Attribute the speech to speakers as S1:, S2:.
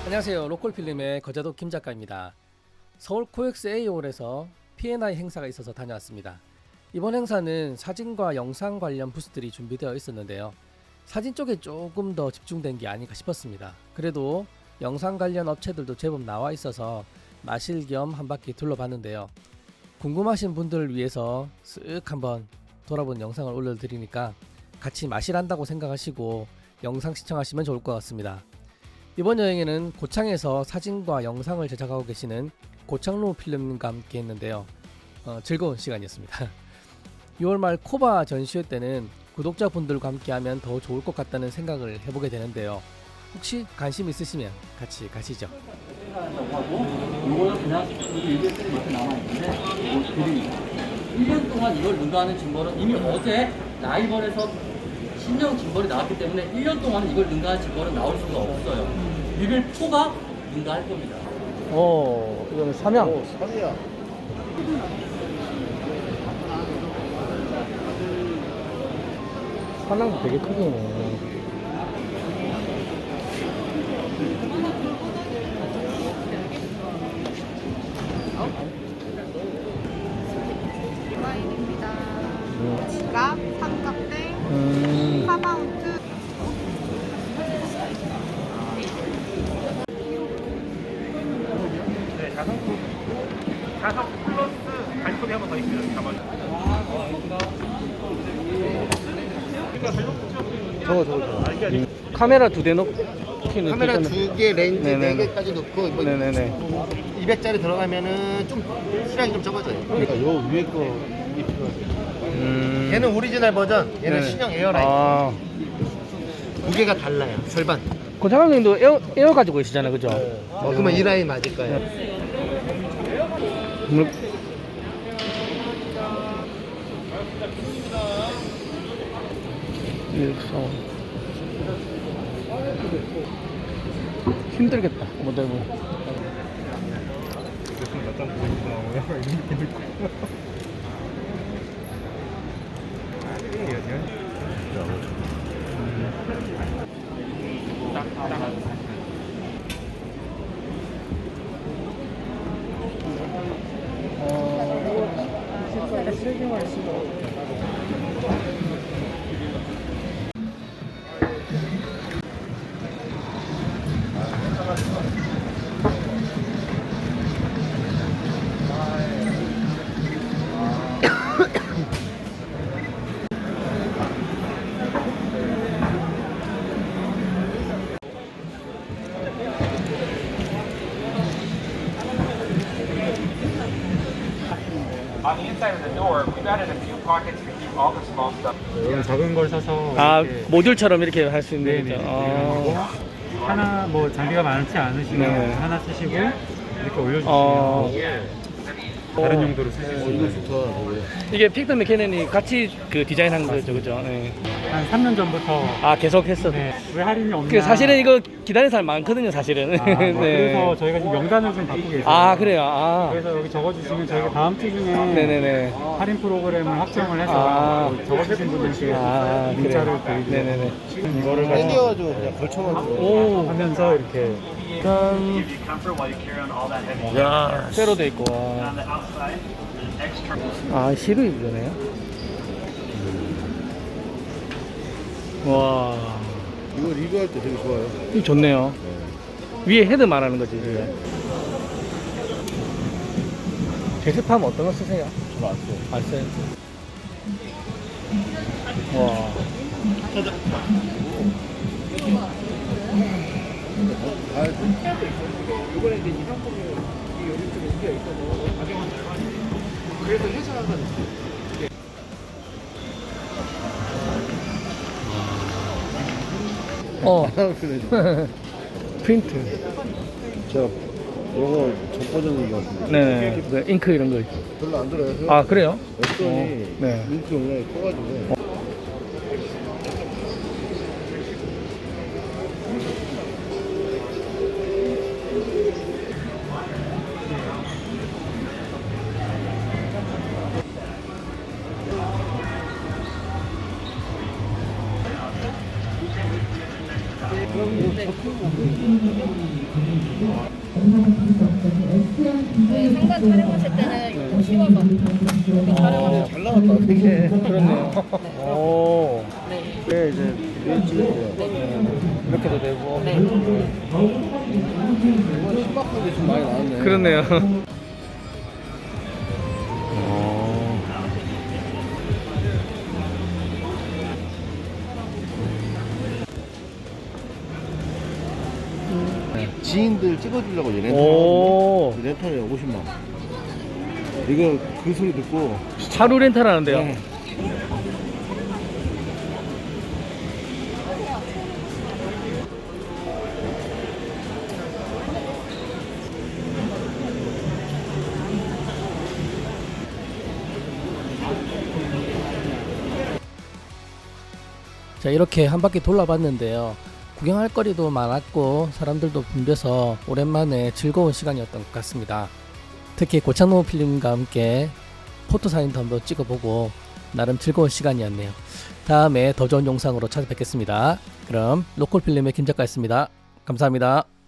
S1: 안녕하세요. 로컬필름의 거자도 김 작가입니다. 서울 코엑스 A홀에서 P&I 행사가 있어서 다녀왔습니다. 이번 행사는 사진과 영상 관련 부스들이 준비되어 있었는데요. 사진 쪽에 조금 더 집중된 게 아닌가 싶었습니다. 그래도 영상 관련 업체들도 제법 나와 있어서 마실 겸 한 바퀴 둘러봤는데요. 궁금하신 분들을 위해서 쓱 한번 돌아본 영상을 올려드리니까 같이 마실한다고 생각하시고 영상 시청하시면 좋을 것 같습니다. 이번 여행에는 고창에서 사진과 영상을 제작하고 계시는 고창로 필름과 함께 했는데요. 즐거운 시간이었습니다. 6월 말 코바 전시회 때는 구독자분들과 함께 하면 더 좋을 것 같다는 생각을 해보게 되는데요. 혹시 관심 있으시면 같이 가시죠.
S2: 이거는 그냥 일개들이 이렇게 남아있는데 이거 드립니다. 1년 동안 이걸 능가하는 짐벌은 이미 어제 라이벌에서 신형 짐벌이 나왔기 때문에 1년 동안 이걸 능가하는 짐벌은 나올 수가 없어요. 6일 초가 능가할 겁니다.
S1: 이거는 삼양.
S3: 삼이야.
S1: 삼양도 되게 크네.
S4: 디자인입니다. 지갑, 삼각대, 카바운트.
S5: 네, 자석 플러스 발톱이 한 번 더 있어요. 잡아요.
S3: 저거.
S1: 카메라 2대 넣기는
S3: 카메라
S1: 괜찮은-
S3: 2개, 렌즈
S1: 네네네.
S3: 4개까지 넣고 뭐
S1: 네네네.
S3: 200짜리 들어가면은 좀 시간이 좀 적어져요. 그러니까 요 위에 거 이게 필요하죠. 얘는 오리지널 버전, 얘는
S1: 네.
S3: 신형 에어라인.
S1: 아,
S3: 두 개가 달라요. 절반.
S1: 고창형님도 에어 가지고 계시잖아요, 그죠?
S3: 그러면 이 라인 맞을 거예요.
S1: 힘들겠다, 모델분.
S5: On the inside of the door, we've added a few pockets to keep all the small stuff.
S6: 이런 작은 걸 사서
S1: 아,
S6: 이렇게
S1: 모듈처럼 이렇게 할 수 있는
S6: 네네
S1: 거죠.
S6: 이용하고 하나 뭐 장비가 많지 않으시면
S1: 네.
S6: 하나 쓰시고 이렇게 올려주시면 다른 용도로 쓰실 수 있는
S1: 이게 픽더 메케넨이 같이 그 디자인한 거죠, 그죠? 네.
S6: 한 3년 전부터
S1: 아, 계속 했어.
S6: 네, 왜 할인이 없나
S1: 그 사실은 이거 기다리는 사람 많거든요, 사실은.
S6: 뭐 그래서 저희가 지금 명단을 좀 바꾸고 계세요.
S1: 아, 그래요. 아,
S6: 그래서 여기 적어주시면 저희가 다음 주 중에
S1: 네네네.
S6: 할인 프로그램을 확정을 해서
S1: 아.
S6: 적어주신 분들께
S1: 아,
S6: 문자를
S1: 그래요.
S6: 드리고
S1: 네네네.
S6: 이거를 가지고
S3: 땡겨가지고 그냥 걸쳐가지고.
S1: 오,
S6: 하면서 이렇게
S1: 짠. 야, 쇠로 돼 있고. 아, 시루 이거네요. 와,
S3: 이거 리뷰할 때 되게 좋아요.
S1: 이거 좋네요. 위에 헤드 말하는 거지. 이게. 제습하면 어떤 거 쓰세요?
S3: 저는 안 써요.
S1: 안 써요. 와. 프린트.
S3: 제가 이거 전 버전인 것 같은데.
S1: 네, 그 잉크 이런 거.
S3: 별로 안 들어요.
S1: 아, 그래요?
S3: 웹선이
S1: 네.
S3: 인기 용량이 커가지고.
S1: 그럼
S4: 저희 상단 촬영하실 때는 이거 씌워서 이렇게 촬영하세요.
S3: 잘 나왔다 되게.
S1: 그렇네요. 오.
S4: 네.
S3: 네 이제 위에 찍을게요.
S1: 이렇게도 되고.
S4: 네.
S3: 이건 신박하게 좀 많이 나왔네.
S1: 그렇네요.
S3: 지인들 찍어주려고 얘
S1: 오.
S3: 렌탈에 50만 원. 이거 그 소리 듣고
S1: 차로 렌탈 하는데요.
S3: 네.
S1: 자, 이렇게 한 바퀴 돌아봤는데요. 구경할 거리도 많았고 사람들도 붐벼서 오랜만에 즐거운 시간이었던 것 같습니다. 특히 고창노 필름과 함께 포토사인도 한번 찍어보고 나름 즐거운 시간이었네요. 다음에 더 좋은 영상으로 찾아뵙겠습니다. 그럼 로컬 필름의 김 작가였습니다. 감사합니다.